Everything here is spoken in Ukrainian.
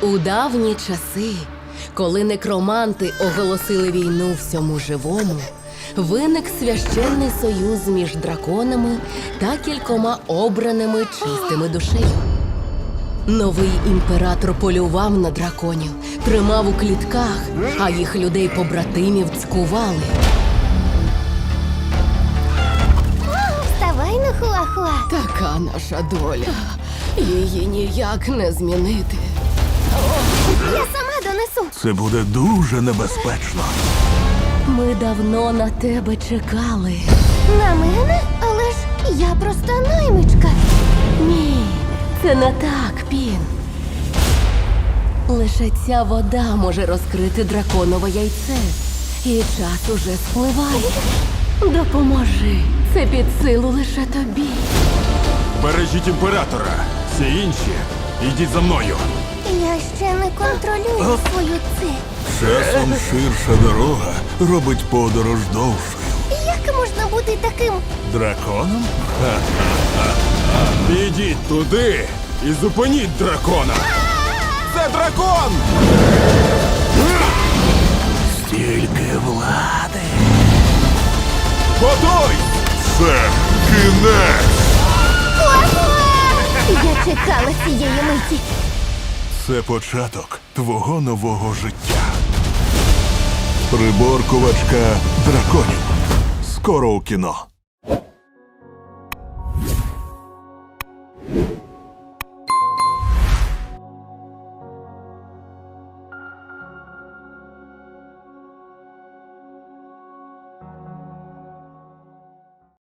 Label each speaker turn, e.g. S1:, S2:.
S1: У давні часи, коли некроманти оголосили війну всьому живому, виник священний союз між драконами та кількома обраними чистими душею. Новий імператор полював на драконів, тримав у клітках, а їх людей-побратимів цькували.
S2: Вставай на хуахуа.
S1: Така наша доля. Її ніяк не змінити.
S2: Я сама донесу.
S3: Це буде дуже небезпечно.
S1: Ми давно на тебе чекали.
S2: На мене? Але ж я просто наймичка.
S1: Ні, це не так, Пін. Лише ця вода може розкрити драконове яйце. І час уже спливає. Допоможи. Це під силу лише тобі.
S3: Бережіть імператора. Всі інші, йдіть за мною.
S2: Я ще не контролюю свою це.
S3: Часом ширша дорога робить подорож довшою.
S2: Як можна бути таким?
S3: Драконом? Підіть туди і зупиніть дракона. Це дракон! Стільки влади. Готуй! Це кінець!
S2: Я чекала цієї миті.
S3: Це початок твого нового життя. Приборкувачка драконів. Скоро у кіно.